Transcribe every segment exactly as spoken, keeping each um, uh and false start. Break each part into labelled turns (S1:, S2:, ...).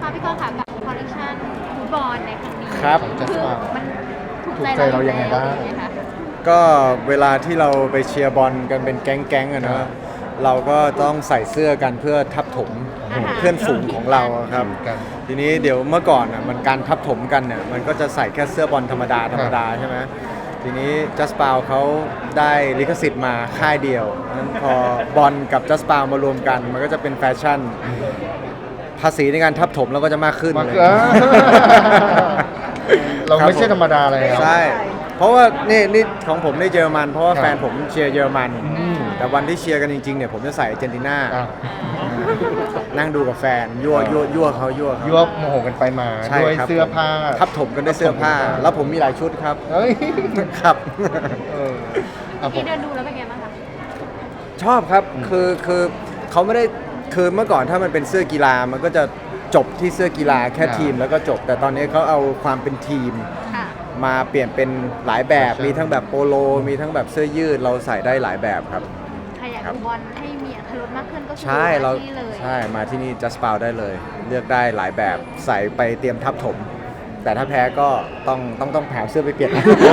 S1: คะพี่กรณ์ค่ะกับคอลเลคชันฟุตบอลในครั้งนี้
S2: ครับ
S1: คือมันถูก
S3: ถูก
S1: ใจ
S3: ใจเรายังไงบ้าง
S1: ใช่หมคะ
S2: ก็เวลาที่เราไปเชียร์บอลกันเป็นแก๊งๆอะ
S3: ครั
S2: นะ
S3: บ
S2: เราก็ต้องใส่เสื้อกันเพื่อทับถม
S1: อ่าฮะ
S2: เพื่อนฝูงของเราครับ
S3: กัน
S2: ทีนี้เดี๋ยวเมื่อก่อนอ่ะมันการทับถมกันเนี่ยมันก็จะใส่แค่เสื้อบอลธรรมดาธรรมดาใช่ไหมทีนี้จัสปาวเขาได้ลิขสิทธิ์มาค่ายเดียวนั้นพอบอลกับจัสปาวมารวมกัน มันก็จะเป็นแฟชั่น ภาษีในการทับถมเราก็จะมากขึ้น
S3: มา
S2: เลย
S3: เออเราไม่ใช่ธรรมดาเลยครับ
S2: ใช่ เพราะว่านี่นี่ของผมในเยอรมัน เพราะว่า
S3: ครับ
S2: แฟนผมเชียร์เยอรมัน
S3: อืม
S2: แต่วันที่เชียร์กันจริงๆเนี่ยผมจะใส่อาร์เจนตินา
S3: อ่ะ
S2: นั่งดูกับแฟนยั่วยั่วยั่วเขายั่วเขา
S3: ยั่วโมโหกันไปมา
S2: ใช่
S3: ด้วย
S2: ครับ
S3: เสื้อผ้า
S2: ทับถมกันด้วยเสื้อผ้า แล้วผมมีหลายชุดครับ
S3: เฮ้ย
S2: ครับ
S3: เอออ่ะผม
S1: ที่เดินดูแล้วเป็นไงบ้างคะ
S2: ชอบครับ คือคือเขาไม่ได้คือเมื่อก่อนถ้ามันเป็นเสื้อกีฬามันก็จะจบที่เสื้อกีฬาแค่ทีมแล้วก็จบ แต่ตอนนี้เขาเอาความเป็นทีม
S1: ค่ะ
S2: มาเปลี่ยนเป็นหลายแบบ
S3: ใช่
S2: มีทั้งแบบโปโล มีทั้งแบบเสื้อยืด เราใส่ได้หลายแบบครับ
S1: ใครอยาก
S2: ครับ
S1: ดูบอลให้มีอรรถรสมากขึ้นก็คือ
S2: ใช่เรา
S1: มาที่เลย
S2: ใช่มาที่นี่ Just Spout ได้เลย เลือกได้หลายแบบใส่ไปเตรียมทับถม แต่ถ้าแพ้ก็ต้องต้องต้องแผ่เสื้อไปเปลี่ยน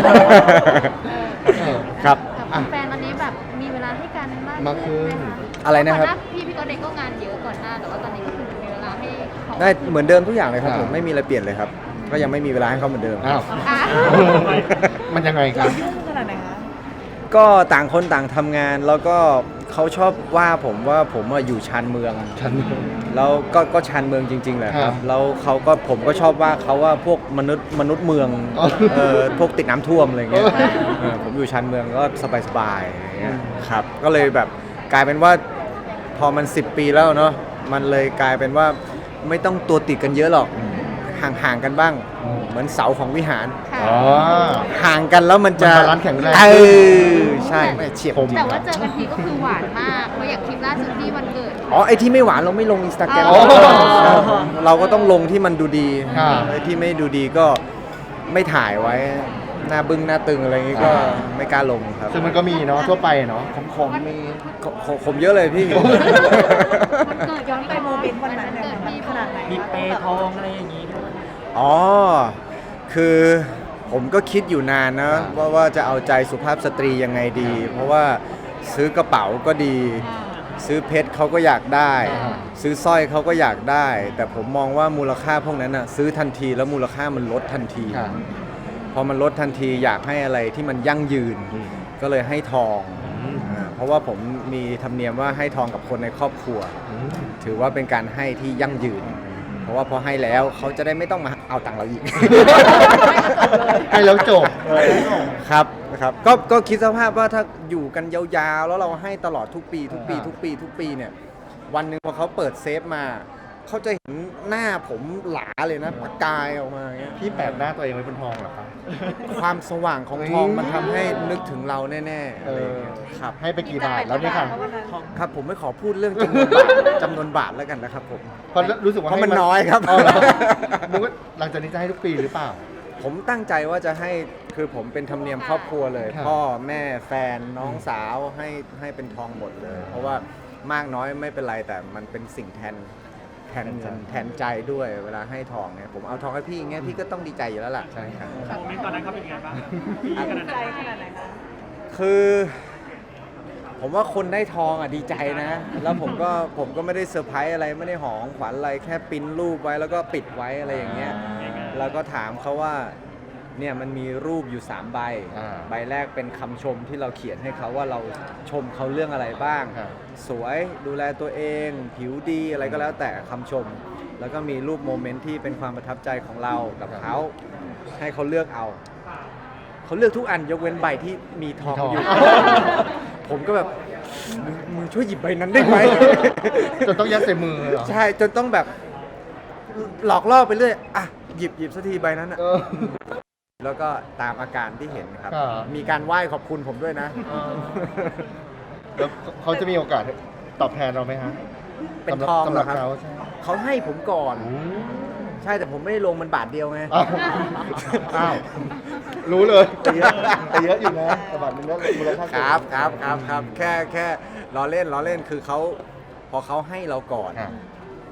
S3: เออ
S2: ครับ
S1: กับแฟนตอนนี้แบบมีเวลาให้กันมาก
S3: มากขึ้น
S1: ไหมคะ
S2: อะไรนะครับ
S1: ก่หาพี่พี่ก็เด็กก็งานเยอะก่อนหน้าแต่ว่าตอนนี้ก็คือมีเวลาให้เขา
S2: ได้เหมือนเดิมทุกอย่างเลยครับ
S3: ครับ
S2: ผมไม่มีอะไรเปลี่ยนเลยครับ ก็ยังไม่มีเวลาให้เขาเหมือนเดิม
S3: อ้าว
S1: อ่ะ
S3: มันยังไงครับ
S4: ยุ่งขนาดไหนคะ
S2: ก็ต่างคนต่างทำงานแล้วก็เขาชอบว่าผมว่าผมอะอยู่ชานเมือง
S3: ฉัน
S2: แล้วก็ก็ชานเมืองจริงๆแหละค
S3: ครั
S2: รับบ แล้วเขาก็ผมก็ชอบว่าเขาว่าพวกมนุษย์มนุษย์เมือง
S3: อ๋อ
S2: เออพวกติดน้ำท่วมอะไรเงี้ย
S3: เออ
S2: เออผมอยู่ชานเมืองก็สบายๆอะไรเงี้ย
S3: อืม
S2: ครับก็เลยแบบกลายเป็นว่าพอมันสิบปีแล้วเนาะมันเลยกลายเป็นว่าไม่ต้องตัวติดกันเยอะหรอกห่างๆกันบ้าง
S3: อืม
S2: เหมือนเสาของวิหาร
S1: ค่ะ
S3: อ๋อ
S2: ห่างกันแล้วมันจะ
S3: มันบาลานซ์แข็งแรง
S2: เออใช่ไม่เฉียบ
S3: ผม
S2: จริง
S1: แต่ว่าเจอกันทีก็คือหวานมากเพราะอย่างคลิปล่าสุดที่วันเกิด
S2: อ๋อไอที่ไม่หวานเราไม่ลงอินสตาแกรม
S1: อ๋อ
S2: เราก็ต้องลงที่มันดูดี
S3: ครับ
S2: ไอที่ไม่ดูดีก็ไม่ถ่ายไว้หน้าบึ้งหน้าตึงอะไรอย่างงี้ก็
S3: อ่า
S2: ไม่กล้าลงครับ
S3: ซึ่งมันก็มีเนาะทั่วไปเนาะขมๆมี
S2: ขขผมเยอะเลยพี่
S1: วันเกิด
S4: ย้อนไปโมเมนต์วันนั้นเนี่ยมันขนาดไหน
S5: มีเปย์ทองอะไรอย่างนี้ด้วย
S2: อ๋อ คือผมก็คิดอยู่นานนะ
S3: อ่า
S2: ว่าว่าจะเอาใจสุภาพสตรียังไงดี เพราะว่าซื้อกระเป๋าก็ดี ซื้อเพชรเขาก็อยากได้
S3: อ่า
S2: ซื้อสร้อยเขาก็อยากได้ แต่ผมมองว่ามูลค่าพวกนั้นอ่ะซื้อทันทีแล้วมูลค่ามันลดทันที
S3: ค่ะ
S2: พอมันลดทันทีอยากให้อะไรที่มันยั่งยืน
S3: อืม
S2: ก็เลยให้ทอง
S3: อืม
S2: อ่าเพราะว่าผมมีธรรมเนียมว่าให้ทองกับคนในครอบครัว
S3: อืม
S2: ถือว่าเป็นการให้ที่ยั่งยืน เพราะว่าพอให้แล้วเขาจะได้ไม่ต้องมาเอาตังค์เราอีก
S3: ให้แล้วจบ
S2: ครับนะครับก็ก็คิดสภาพว่าถ้าอยู่กันยาวๆ แล้วเราให้ตลอดทุกปี ทุกปี
S3: อ่า
S2: ทุกปีทุกปีเนี่ยวันหนึ่งพอเขาเปิดเซฟมาเขาจะเห็นหน้าผมหลาเลยนะประกายออกมาอย่างเงี้ย
S3: พี่แปะหน้าตัวเองไว้บนทองเหรอครับ
S2: ความสว่างของทองมันทำให้นึกถึงเราแน่ๆ
S3: เอ
S2: อะไรอ
S3: อย่าง
S2: เงี้ยครับ
S3: ให้ไปกี่บาทแล้วเนี่ยค่ะ
S2: ครับผมไม่ขอพูดเรื่องจำนวนบาท จำนวนบาทแล้วกันนะครับผม
S3: เพราะรู้สึกว่า
S2: เพราะมัน
S3: ให้
S2: น้อยครับ
S3: อ๋อเหรอนึกว่าหลังจากนี้จะให้ทุกปีหรือเปล่า
S2: ผมตั้งใจว่าจะให้คือผมเป็นธรรมเนียมครอบครัวเลย
S3: ครับ
S2: พ่อแม่แฟนน้องสาวให้ให้เป็นทองหมดเลย เพราะว่ามากน้อยไม่เป็นไรแต่มันเป็นสิ่งแทนแทนเงินแทนใจด้วยเวลาให้ทองเนี่ยผมเอาทองให้พี่อย่างเงี้ยพี่ก็ต้องดีใจอยู่แล้วล่ะ
S3: ใช่ครับ
S5: โมเมนต์ตอนนั้นเขาเป็นยังไงบ้าง
S4: ใจขนาดไหนคะ
S2: คือ ผมว่าคนได้ทองอ่ะดีใจนะ แล้วผมก็ผมก็ไม่ได้เซอร์ไพรส์อะไรไม่ได้หอของขวัญอะไรแค่ปริ้นรูปไว้แล้วก็ปิดไว้อะไรอย่างเงี้ย แล้วก็ถามเขาว่าเนี่ยมันมีรูปอยู่สามใบ
S3: อ่า
S2: ใบแรกเป็นคำชมที่เราเขียนให้เขาว่าเราชมเขาเรื่องอะไรบ้าง
S3: ครับ
S2: สวยดูแลตัวเอง ผิวดีอะไรก็แล้วแต่คำชม แล้วก็มีรูปโมเมนต์ที่เป็นความประทับใจของเรากับเขาให้เขาเลือกเอา เขาเลือกทุกอันยกเว้นใบที่มีทอง
S3: มีทอง
S2: อยู่ ผมก็แบบมึงมึงช่วยหยิบใบนั้นได้ไหม
S3: จนต้องยัดใส่มือเหรอ
S2: ใช่จนต้องแบบหลอกล่อไปเรื่อยอ่ะหยิบหยิบสักทีใบนั้นอ่ะ
S3: เออ
S2: แล้วก็ตามอาการที่เห็นครับ
S3: ครับ
S2: มีการไหว้ขอบคุณผมด้วยนะ
S3: เออแล้วเขาจะมีโอกาสตอบแทนเราไหมฮะ
S2: เป็น
S3: สำหรับ
S2: ทอง
S3: สำ
S2: เห
S3: ห
S2: ร
S3: รั
S2: อบ ครับ
S3: เขาใช่
S2: เขาให้ผมก่อน
S3: อืม
S2: ใช่แต่ผมไม่ได้ลงมันบาทเดียวไง
S3: อ้าวอ้าวรู้เลยแต่เยอะแต่เยอะอยู่นะแต่บาทนึงก็มูลค่า
S2: ค
S3: สูง
S2: รับครับครับครับแค่แค่ล้อเล่นล้อเล่นคือเขาพอเขาให้เราก่อน
S3: ครับ
S2: ผ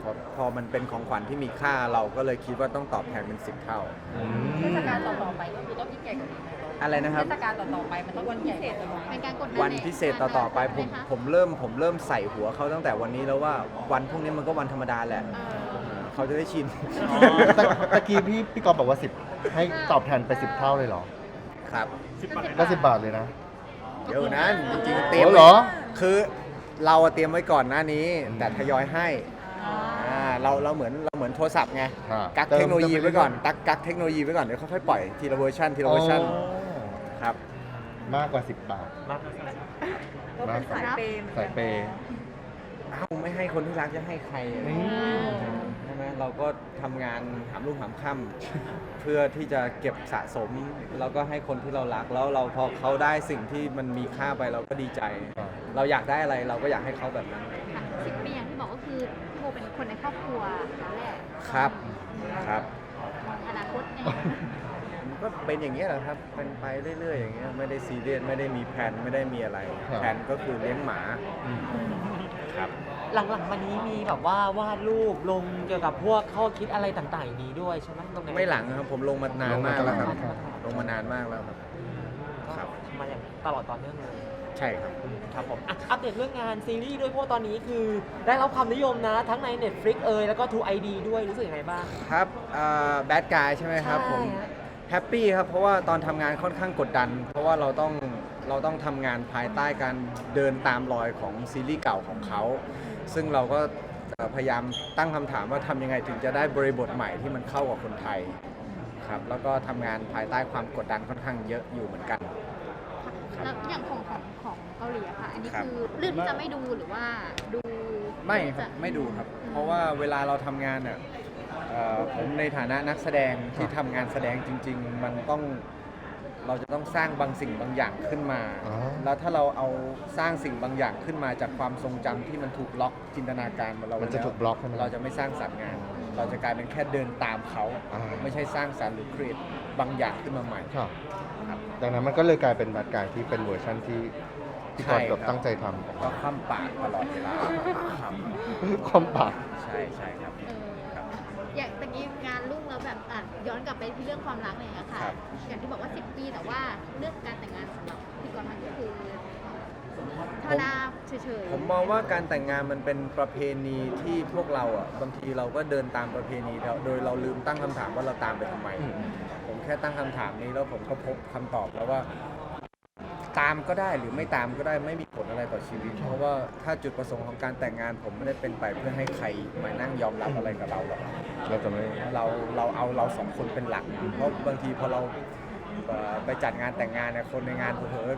S2: อพอมันเป็นของขวัญที่มีค่าเราก็เลยคิดว่าต้องตอบแทนเป็นสิบเท่า
S1: เทศกาลต่อๆไปก็คือต้องยิ่งใหญ่กว่านี้ไหม
S2: อะไรนะครับ
S1: เทศกาลต่อๆไปมันต้องวันพิเศษเป็นการกดดัน
S2: วันพิเศษต่อๆไปผมผมเริ่มผมเริ่มใส่หัวเขาตั้งแต่วันนี้แล้วว่าวันพวกนี้มันก็วันธรรมดาแหละเขาจะได้ชิน
S3: ตะตะกี้พี่พี่กอฟบอกว่าสิบให้ตอบแทนไปสิบเท่าเลยเหรอ
S2: ครับ
S3: ก็สิบบาทเลยนะ
S2: เดี๋ยวนั้นจริงๆเตรียม
S3: โอ้เหรอ
S2: คือเราอะเตรียมไว้ก่อนหน้านี้ แต่ทยอยให้อ่าเราเราเหมือนเราเหมือนโทรศัพท์ไง
S3: อ่า
S2: กักเทคโนโลยีไว้ก่อนกักกักเทคโนโลยีไว้ก่อนเดี๋ยวค่อยๆปล่อยทีละเวอร์ชันทีละเวอร์ชัน
S3: อ๋อ
S2: ครับ
S3: มากกว่าสิบบาท
S5: มากกว่าสิบ
S4: ก็เป็นสายเปย์
S3: สายเปย์
S2: เอ้าไม่ให้คนที่รักจะให้ใครอะ
S3: อืม
S2: ใช่ไหมเราก็ทำงานหามรุ่งหามค่ำ เพื่อที่จะเก็บสะสมแล้วก็ให้คนที่เรารักแล้วเราพอเขาได้สิ่งที่มันมีค่าไปเราก็ดีใจ เราอยากได้อะไรเราก็อยากให้เขาแบบนั้น
S1: ค่ะสิบปีอย่างที่บอกก็คือพี่โบเป็นคนในครอบครัวนั่นแหละ
S2: ครับครับ
S1: มองอนาคตไง
S2: มันก็เป็นอย่างนี้ยแหละครับเป็นไปเรื่อยๆอย่างเงี้ยไม่ได้ซีเรียสไม่ได้มีแผนไม่ได้มีอะไร
S3: ครับ
S2: แผนก็คือเลี้ยงหมาครับ
S5: หลังๆมานี้มีแบบว่าวาดรูปลงเกี่ยวกับพวกข้อคิดอะไรต่างๆอย่างนี้ด้วยใช่ไหมตรงไหน
S2: ไม่หลังนะครับผมลงมานานมากแล้วครับ
S3: ลงมาตลอด
S2: ลงมานานมากแล้วครับ ครับ
S5: มาอย่างตลอดต่อเนื่องเลย
S2: ใช่ครับ
S5: ครับผมอ่ะอัปเดตเรื่องงานซีรีส์ด้วยเพราะว่าตอนนี้คือได้รับความนิยมนะ ทั้งใน Netflix เอยแล้วก็ ทู ไอ ดี ด้วยรู้สึกยังไงบ้าง
S2: ครับแบดกายใช่ไหมครับผม
S5: ใช่ฮะ
S2: แฮปปี้ครับเพราะว่าตอนทำงานค่อนข้างกดดัน เพราะว่าเราต้องเราต้องทำงานภายใต้การเดินตามรอยของซีรีส์เก่าของเขา ซึ่งเราก็เอ่อพยายามตั้งคำถามว่าทำยังไงถึงจะได้บริบทใหม่ที่มันเข้ากับคนไทยครับแล้วก็ทำงานภายใต้ความกดดันค่อนข้างเยอะอยู่เหมือนกัน
S1: แล้วอย่างของของของเกาหลีอะค่ะ อันนี้
S2: ครับ
S1: คือเรื่องที่จะไม่ดูหรือว่าดู
S2: ไม่ค
S1: จะ
S2: รับไม่ดูครับ เพราะว่าเวลาเราทำงานอ่ะเอ่อผมในฐานะนักแสดงที่ทำงานแสดงจริง ๆ มันต้องเราจะต้องสร้างบางสิ่งบางอย่างขึ้นมา
S3: อ๋อ
S2: แล้วถ้าเราเอาสร้างสิ่งบางอย่างขึ้นมาจากความทรงจำที่มันถูกล็อกจินตนาการของเรา
S3: มันจะ
S2: ไว้แว
S3: ถูกบล็อกใช่ไหม
S2: เราจะไม่สร้างสรรค์งาน เราจะกลายเป็นแค่เดินตามเขา
S3: อ่า
S2: ไม่ใช่สร้างสรรค์หรือครีเอทบางอย่างขึ้นมาใหม่
S3: ครับ
S2: ครับ
S3: ดังนั้นมันก็เลยกลายเป็นบัตรกายที่เป็นเวอร์ชันที่ที่กอฟแบบตั้งใจทำ
S2: ก็คว่ำปากตลอดเวลาครับ
S3: ความปาก
S2: ใช่ใช่ครับ
S1: เออ
S2: ครับ
S1: อย่างตะกี้งานรุ่งแล้วแบบอ่ะย้อนกลับไปที่เรื่องความรักอะไรอย่างเงี้ยค่ะ
S2: ครับ
S1: อย่างที่บอกว่าสิบปีแต่ว่าเรื่องการแต่งงานสำหรับพี่กรณ์มันก็คือธรรมดาเฉยๆ
S2: ผมมองว่าการแต่งงานมันเป็นประเพณีที่พวกเราอ่ะบางทีเราก็เดินตามประเพณีเราโดยเราลืมตั้งคำถามว่าเราตามไปทำไม
S3: อืม
S2: ผมแค่ตั้งคำถามนี้แล้วผมก็พบคำตอบแล้วว่า ตามก็ได้หรือไม่ตามก็ได้ไม่มีผลอะไรต่อชีวิต เพราะว่าถ้าจุดประสงค์ของการแต่งงาน ผมไม่ได้เป็นไปเพื่อให้ใครมานั่งยอมรับอะไรกับเราหรอก
S3: เราจะไม่
S2: เราเราเอาเราสองคนเป็นหลัก เพราะบางทีพอเราเอ่อไปจัดงานแต่งงานเนี่ยคนในงานเผลอ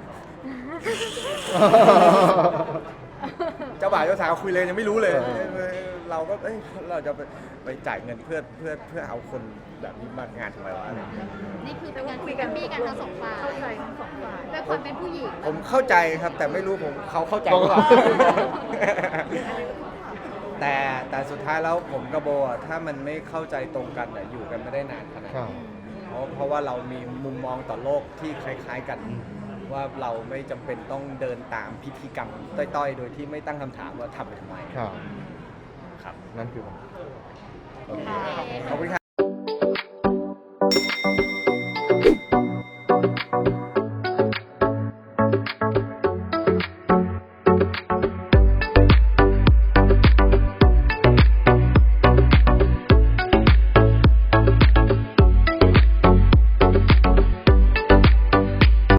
S2: ๆ เจ้าบ่าวเจ้าสาวคุยเลยยังไม่รู้เลย เราก็เอ้ยเราจะไปไปจ่ายเงินเพื่อเพื่อเพื่อเอาคนแบบนี้มางานทำไมวะอะไรอย่างเงี้ย
S1: นี่คือเป็นการคุยกันมีกันทั้งสองฝ่าย
S4: เข้าใจทั้งสองฝ่าย
S1: ด้วยความเป็นผู้หญิง
S2: ผมเข้าใจครับแต่ไม่รู้ผมเขาเข้าใจหรือเปล่า แต่แต่สุดท้ายแล้วผมกับโบอะถ้ามันไม่เข้าใจตรงกันเนี่ยอยู่กันไม่ได้นานขนาด
S3: ครั
S2: นั้
S3: บ
S2: นเพราะเพราะว่าเรามีมุมมองต่อโลกที่คล้าย ๆกัน ว่าเราไม่จำเป็นต้องเดินตามพิธีกรรมต้อยๆ โดยที่ไม่ตั้งคำถามว่าทำไปทำไม
S3: ครับ
S2: ครับ
S3: นั่นคือผมโอเค
S2: ขอบคุณครับ